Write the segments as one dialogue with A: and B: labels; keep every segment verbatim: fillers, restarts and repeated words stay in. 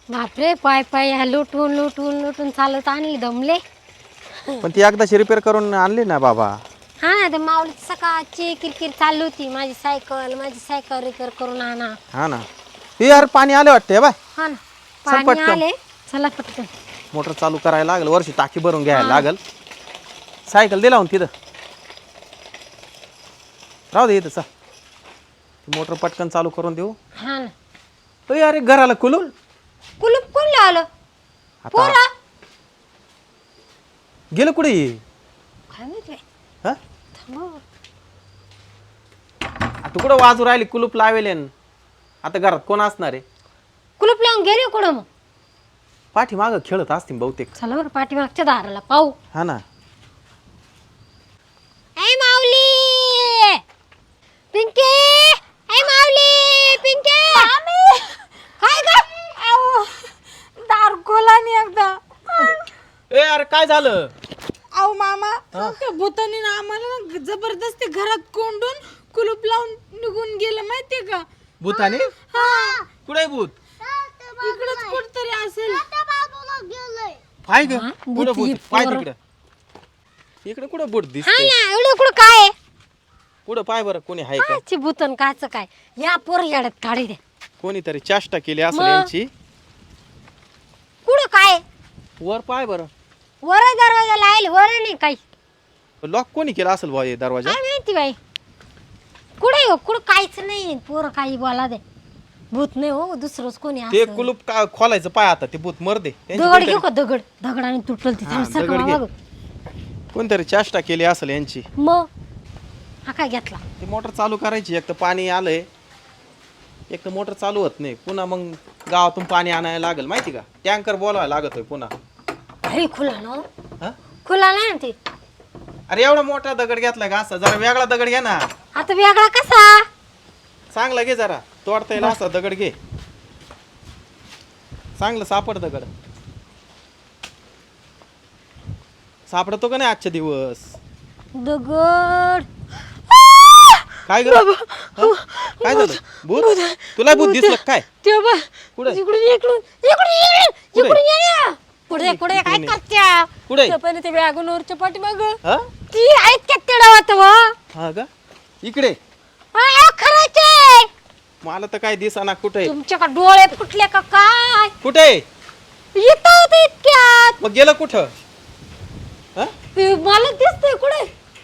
A: बापरे, पाय पाय ह्या लुटून लुटून लुटून चालत आणली दमले.
B: पण ती एकदाची रिपेअर करून आणली ना बाबा.
A: हा ना, ते माऊली सकाळची किरकिर चालू होती, माझी सायकल माझी सायकल रिपेअर करून आणा.
B: हा ना, हे यार पाणी आले वाटते बाय.
A: हा ना,
B: चल
A: पाणी
B: पटकन.
A: आले, चला पटकन.
B: मोटर चालू करायला लागल, वर्षी टाकी भरून घ्यायला लागल. सायकल दिला लावून तिथं राहू दे इथं चा. मोटर पटकन चालू करून देऊ.
A: हा ना,
B: अरे अरे घराला कुलून
A: कुलूप कोण लावलं? पोरा
B: गेलं कुठे
A: काय माहित बाई.
B: हा
A: थांबा.
B: तू कुठं वाजू राहिली? कुलूप लावेल आता घरात कोण असणार आहे?
A: कुलूप लावून गेले कुठं मग?
B: पाठी माग खेळत असतील बहुतेक.
A: चला बरं पाठीमागच्या दाराला पाहू.
B: हा ना,
A: ऐ माऊली, पिंकी, ऐ माऊली, पिंकी. काय ग?
C: दार खोला नाही एकदा.
B: ए अरे काय झालं?
C: अहो मामा, त्या भूतानी ना आम्हाला ना जबरदस्ती घरात कोंडून कुलूप लावून निघून गेलं माहितीये का?
B: भूताने?
C: हा,
B: कुठे भूत?
C: इकडेच कुठतरी असेल.
B: पाय ग
A: हा,
B: कुठं
A: भूत
B: भूत?
A: ही
B: पाय
A: पोरं.
B: तिकडं. इकडे कुठं भूत
A: हा
B: दिसते?
A: ना, एवढं कुठं काय आहे?
B: कुठं पाय बरं कोणी आहे का?
A: काची भूतन काच काय? या पोर याड्यात काढी दे.
B: कोणीतरी चेष्टा केली असेल
A: मग?
B: यांची.
A: कुठं काय आहे?
B: वर पाय बरं.
A: वर दरवाजा लाईल, वर नाही काही.
B: लॉक कोणी केला असेल भाऊ हे दरवाजा?
A: काय माहिती बाई. कुठे हो? कुठं काहीच नाही. पोरं काही बोला दे. भूत नाही हो, दुसरंच कोणी
B: ते
A: असं.
B: कुलूप का खोलायचं पाय आता ते भूत मर दे. त्यांची
A: दगड
B: कोणतरी-
A: घेऊ का? दगड दगडाने तुटल ती.
B: हा,
A: थांब,
B: दगड
A: सरका
B: घे.
A: बघ.
B: कोणतरी चेष्टा केली असेल यांची.
A: मग हा काय घेतला?
B: ती मोटर चालू करायची. एक तर पाणी आलंय, एक तर मोटर चालू होत नाही. पुन्हा मग गावातून पाणी आणायला लागेल माहिती का? टँकर बोलवायला लागतोय पुन्हा.
A: अरे खुला ना,
B: हा?
A: खुला नाही ना ते.
B: अरे एवढा मोठा दगड घेतला का? असा जरा वेगळा दगड घ्या ना.
A: आता वेगळा कसा?
B: चांगला घे जरा, तोडता येईल असा दगड घे. चांगलं सापड दगड. सापडतो का नाही आजच्या दिवस?
A: दगड.
B: काय ग? हा? काय झालं? भूत? तुला भूत दिसलं काय?
A: ते बघ.
B: कुठे?
A: इकडून इकडून इकडून इकडून
B: कुठे?
A: इकडून ये. पुढे पुढे काय
B: इकडून ये.
A: करत्या?
B: कुठे?
A: ते पण ते वॅगनवरच्या पाठीमाग
B: हा?
A: ती आहेत का तेडावत व?
B: हा का? इकडे
A: आ खरंचे.
B: मला तर काय दिसाना. कुठे
A: तुमच्या का डोळे फुटले का काय?
B: कुठे?
A: येत होते इतक्यात.
B: मग गेलं कुठं? हा?
A: ते मला दिसतंय कुठे?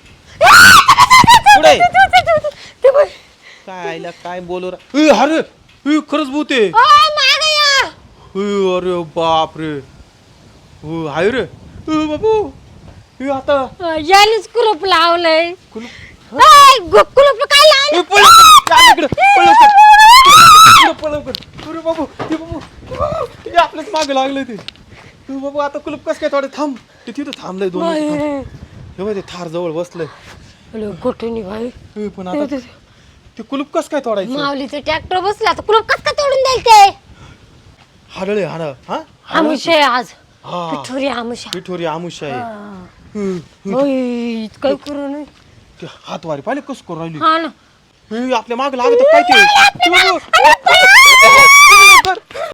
B: कुठे?
A: ते बघ.
B: काय आईला काय बोलू रा- ए, अरे ए, खरंच भूत आहे.
A: ओ माग या.
B: ए, अरे बाप रे. ओ, हाय रे. ए, बाबू ए, आता
A: यानेच कुलूप लावलंय.
B: कुलूप-
A: ऐ, गु- कुलूप काय लावलं?
B: ए, पळ लवकर. चाल इकडं. पळ लवकर. इकडं पळ लवकर. अरे बाबू ए, बाबू ए, बाबू. ए, आपल्याच मागे लागले ते. ए, बाबू आता कुलूप कस काय थोडे थांब. ते तिथं थांबलंय दोन मिनिटं थांब. हे बघ, ते थार जवळ बसलंय.
A: गोठणी भाई.
B: ए, पण आता ते कुलूप कस काय तोडायचं?
A: माऊलीचं ट्रॅक्टर बसला तर कुलूप कस का तोडून द्याल ते?
B: हाडळे हाड हा
A: आमुषे आज.
B: हा
A: पिठोरी आमुषा.
B: पिठोरी आमुष आहे.
A: ओय, इतकं करू नये.
B: ते हातवारी पाहिले कस करू राहिली.
A: हा ना.
B: ए, आपल्या माग लागत काय ते?